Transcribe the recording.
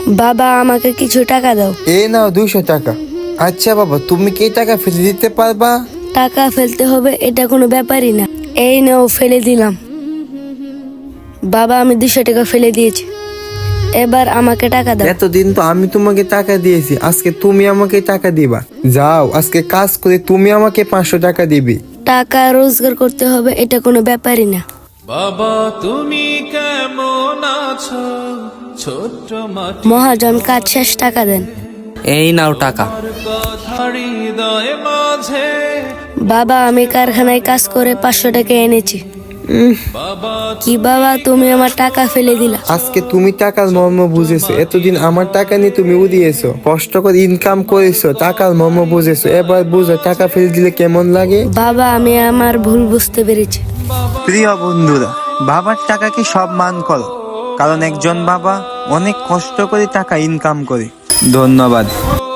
বাবা আমাকে কিছু টাকা দাও। এই নাও 200 টাকা। আচ্ছা বাবা, তুমি কি টাকা ফেলে দিতে পারবা? টাকা ফেলতে হবে এটা কোনো ব্যাপারই না। এই নাও ফেলে দিলাম। বাবা আমি 200 টাকা ফেলে দিয়েছি, এবার আমাকে টাকা দাও। এতদিন তো আমি তোমাকে টাকা দিয়েছি, আজকে তুমি আমাকে টাকা দিবা। যাও আজকে কাজ করে তুমি আমাকে 500 টাকা দিবি। টাকা রোজগার করতে হবে এটা কোনো ব্যাপারই না। বাবা তুমি কেমন আছো, ছোট্ট মাটি মহাজন কাজ শেষ, টাকা দেন। এই নাও টাকা। কথা হৃদয় মাঝে। বাবা আমি কারখানায় কাজ করে 500 টাকা এনেছি। বাবা কি বাবা তুমি আমার টাকা ফেলে দিলা। আজকে তুমি টাকার মর্ম বুঝেছো, এতদিন আমার টাকা নিয়ে তুমি উড়িয়েছো, কষ্ট করে ইনকাম করেছো, টাকার মর্ম বুঝেছো, এবার বুঝো টাকা ফেলে দিলে কেমন লাগে। বাবা আমি আমার ভুল বুঝতে পেরেছি। প্রিয় বন্ধুরা, বাবার টাকাকে সম্মান করো, কারণ একজন বাবা অনেক কষ্ট করে টাকা ইনকাম করে। ধন্যবাদ।